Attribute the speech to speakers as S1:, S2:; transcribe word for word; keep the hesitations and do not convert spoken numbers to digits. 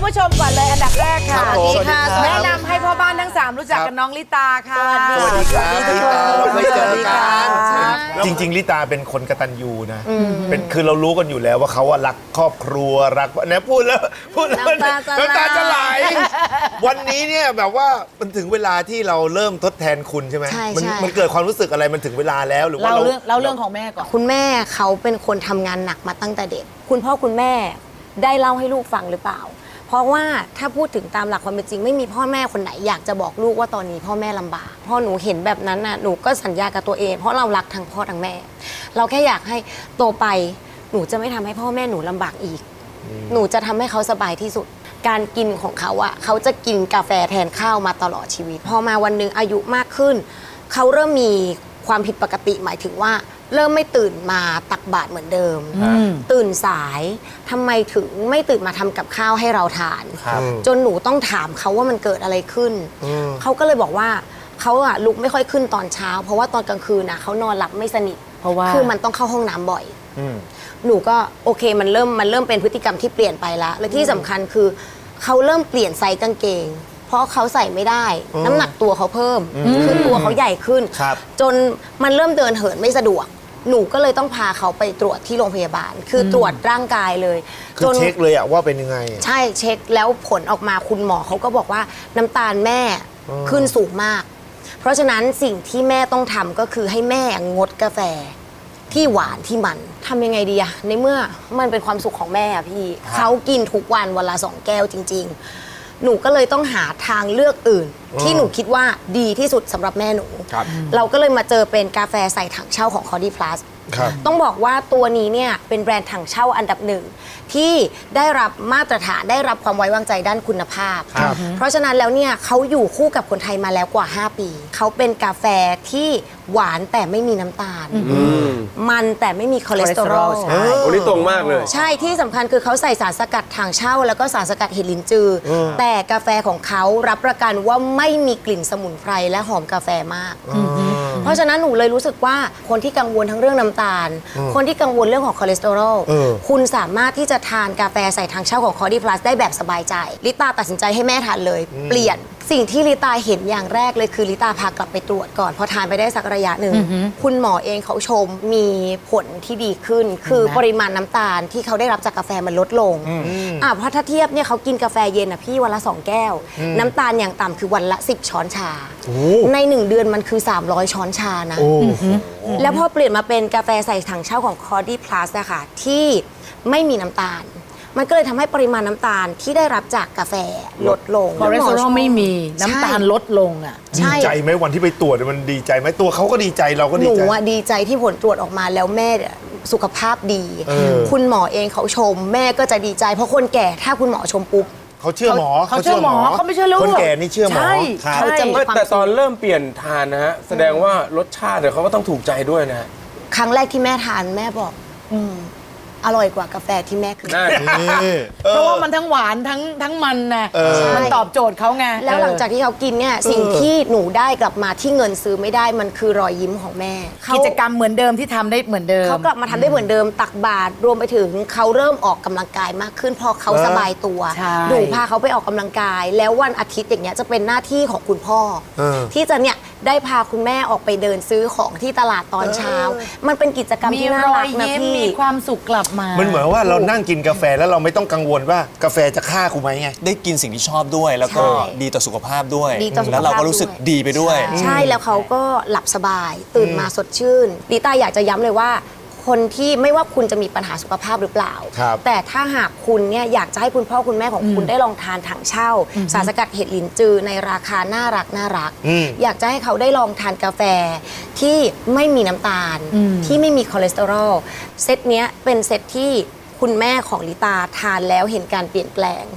S1: ผู้ชมก่อนเลยอันดับแรกค่ะ
S2: ครับผม
S1: สวัสดีค่ะ
S2: สวัสดีครับ
S1: แนะนำให้พ่อบ้านทั้งสามรู้จักกับน้องลิตาค่ะ
S2: สวัสดีครับลิตาเราเคยเจอกัน
S3: จริงๆลิตาเป็นคนกตัญญูนะเป็นคือเรารู้กันอยู่แล้วว่าเขาอะรักครอบครัวรักเนี่ยพูดแล้วพูดแล้ว
S1: น้ำตาจะไหล
S3: น้ำตาจะไหลวันนี้เนี่ยแบบว่ามันถึงเวลาที่เราเริ่มทดแทนคุณใช่ไหม
S4: ใช่
S3: มัน
S4: ใช่
S3: มันเกิดความรู้สึกอะไรมันถึงเวลาแล้วหรือว่า
S1: เรา
S3: เรา
S1: เรื่องเราเรื่องของแม่ก่อน
S4: คุณแม่เขาเป็นคนทำงานหนักมาตั้งแต่เด็ก คุณพ่อคุณแม่ได้เล่าให้ลูกฟังหรือเปล่า เพราะว่าถ้าพูดถึงตามหลักความเป็นจริงไม่มีพ่อแม่คนไหนอยากจะบอกลูกว่าตอนนี้พ่อแม่ลำบากพอหนูเห็นแบบนั้นน่ะหนูก็สัญญากับตัวเอง เพราะเรารักทั้งพ่อทั้งแม่ เราแค่อยากให้โตไปหนูจะไม่ทำให้พ่อแม่หนูลำบากอีก หนูจะทำให้เขาสบายที่สุด การกินของเขาอะเขาจะกินกาแฟแทนข้าวมาตลอดชีวิต พอมาวันหนึ่งอายุมากขึ้น เขาเริ่มมีความผิดปกติหมายถึงว่า เริ่มไม่ตื่นมาตักบาตรเหมือนเดิม ตื่นสายทำไมถึงไม่ตื่นมาทำกับข้าวให้เราทาน
S3: ครับ
S4: จนหนูต้องถามเขาว่ามันเกิดอะไรขึ้น เขาก็เลยบอกว่าเขาอะลุกไม่ค่อยขึ้นตอนเช้า เพราะว่าตอนกลางคืนนะเขานอนหลับไม่สนิท
S1: เพราะว่า
S4: คือมันต้องเข้าห้องน้ำบ่อย
S3: อืม
S4: หนูก็โอเคมันเริ่มมันเริ่มเป็นพฤติกรรมที่เปลี่ยนไปแล้วและที่สำคัญคือเขาเริ่มเปลี่ยนไซส์กางเกง เพราะเขาใส่ไม่ได้ น้ำหนักตัวเขาเพิ่มคือตัวเขาใหญ่ขึ้น
S3: ครับ
S4: จนมันเริ่มเดินเหินไม่สะดวก หนูก็เลยต้องพาเขาไปตรวจที่โรงพยาบาล คือตรวจร่างกายเลย
S3: คือเช็คเลยอะว่าเป็นยังไง
S4: ใช่เช็คแล้วผลออกมาคุณหมอเขาก็บอกว่าน้ำตาลแม่ขึ้นสูงมาก เพราะฉะนั้นสิ่งที่แม่ต้องทำก็คือให้แม่งดกาแฟที่หวานที่มันทำยังไงดีอะในเมื่อมันเป็นความสุขของแม่อะพี่เขากินทุกวันวันละสองแก้วจริง ๆ หนูก็เลยต้องหาทางเลือกอื่น ที่หนูคิดว่าดีที่สุดสำหรับแม่หนู
S3: ครับ
S4: เราก็เลยมาเจอเป็นกาแฟใส่ถังเช่าของ Cody Plus
S3: ครับ
S4: ต้องบอกว่าตัวนี้เนี่ยเป็นแบรนด์ถังเช่าอันดับหนึ่งที่ได้รับมาตรฐานได้รับความไว้วางใจด้านคุณภาพ
S3: ครับ
S4: เพราะฉะนั้นแล้วเนี่ยเขาอยู่คู่กับคนไทยมาแล้วกว่า ห้า ปี เขาเป็นกาแฟที่หวานแต่ไม่มีน้ำตาล มันแต่ไม่มีคอเลสเตอรอล
S1: ใช่
S2: โอ้นี่ตรงมากเลย
S4: ใช่ที่สำคัญคือเขาใส่สารสกัดถังเช่า แล้วก็สารสกัดเห็ดลินจืออแต่กาแฟของเขารับประกันว่าไม่มีกลิ่นสมุนไพรและหอมกาแฟมาก เพราะฉะนั้นหนูเลยรู้สึกว่าคนที่กังวลทั้งเรื่องน้ำตาล คนที่กังวลเรื่องของคอเลสเตอรอล
S3: เออ
S4: คุณสามารถที่จะทานกาแฟใส่ถังเช่าของ Cody Plus ได้แบบสบายใจลิตาตัดสินใจให้แม่ทานเลย เปลี่ยนสิ่งที่ลิตาเห็นอย่างแรกเลยคือลิตาพากลับไปตรวจก่อนพอทานไปได้สักระยะหนึ่งคุณหมอเองเขาชมมีผลที่ดีขึ้น คือปริมาณน้ำตาลที่เขาได้รับจากกาแฟมันลดลงอ่ะเพราะถ้าเทียบเนี่ยเขากินกาแฟเย็นอ่ะพี่วันละสองแก้ว น้ำตาลอย่างต่ำคือวันละสิบช้อนชา ในหนึ่งเดือนมันคือสามร้อยช้อนชานะ
S3: โอ้โห
S4: แล้วพอเปลี่ยนมาเป็นกาแฟใส่ถังเช่าของ Cody Plus อะค่ะที่ไม่มีน้ำตาล มันก็เลยทำให้ปริมาณน้ำตาลที่ได้รับจากกาแฟลดลง
S1: คอเลสเตอรอลไม่มีน้ำตาลลดลงอ่ะ
S3: ดีใจไหมวันที่ไปตรวจมันดีใจไหมตัวเขาก็ดีใจเราก็
S4: ห
S3: ดี
S4: นู
S3: ใจ
S4: อะดีใจที่ผลตรวจออกมาแล้วแม่เนี่ยสุขภาพดี
S3: เออ
S4: คุณหมอเองเขาชม แม่ก็จะดีใจ เพราะคนแก่ถ้าคุณหมอชมปุ๊บ
S3: เขาเชื่อหมอ
S1: เขาเชื่อหมอเขาไม่เชื่อลูก
S3: คนแก่นี่เชื่อหมอ
S1: ใช่
S3: ครับ
S4: เขาจะมี
S2: ไม่แต่ตอนเริ่มเปลี่ยนทานนะฮะ แสดงว่ารสชาติเดี๋ยวเขาก็ต้องถูกใจด้วยนะฮะ
S4: ครั้งแรกที่แม่ทานแม่บอก อืมอร่อยกว่ากาแฟที่แม่เคย
S2: นั่น
S3: นี่
S1: เพราะว่ามันทั้งหวานทั้งทั้งมันนะ
S3: เออ
S1: มันตอบโจทย์เขาไง
S4: แล้วหลังจากที่เขากินเนี่ยสิ่งที่หนูได้กลับมาที่เงินซื้อไม่ได้มันคือรอยยิ้มของแม่เขา
S1: กิจกรรมเหมือนเดิมที่ทำได้เหมือนเดิม
S4: เขากลับมาทำได้เหมือนเดิมตักบาตรรวมไปถึงเขาเริ่มออกกำลังกายมากขึ้นพอเขาสบายตัว
S1: ใช่
S4: หนูพาเขาไปออกกำลังกาย แล้ววันอาทิตย์อย่างเงี้ยจะเป็นหน้าที่ของคุณพ่อ
S3: เออ
S4: ที่จะเนี่ยได้พาคุณแม่ออกไปเดินซื้อของที่ตลาดตอนเช้า มันเป็นกิจกรรม
S1: มี
S4: ที่น่าร
S1: อ
S4: รั
S1: ย
S4: กนะ
S1: ยิ้ม
S4: พี่
S1: มีความสุขกลับมา
S3: มันเหมือนว่าเรานั่งกินกาแฟแล้วเราไม่ต้องกังวลว่ากาแฟจะฆ่ากูไหมไง
S5: ได้กินสิ่งที่ชอบด้วย แล้วก็
S4: ใช่
S5: ดีต่อสุขภาพด้วย
S4: ดีต่อสุขภาพ
S5: แล้วเราก็รู้สึกดีไปด้วย
S4: ใช่แล้วเขาก็หลับสบาย ตื่นมาสดชื่นลิต้าอยากจะย้ำเลยว่า คนที่ไม่ว่าคุณจะมีปัญหาสุขภาพหรือเปล่า
S3: ครับ
S4: แต่ถ้าหากคุณเนี่ยอยากจะให้คุณพ่อคุณแม่ของคุณได้ลองทานถังเช่า สารสกัดเห็ดลินจือในราคาน่ารักน่ารัก
S3: อืม
S4: อยากจะให้เขาได้ลองทานกาแฟที่ไม่มีน้ำตาล ที่ไม่มีคอเลสเตอรอลเซตเนี้ยเป็นเซตที่คุณแม่ของลิตาทานแล้วเห็นการเปลี่ยนแปลง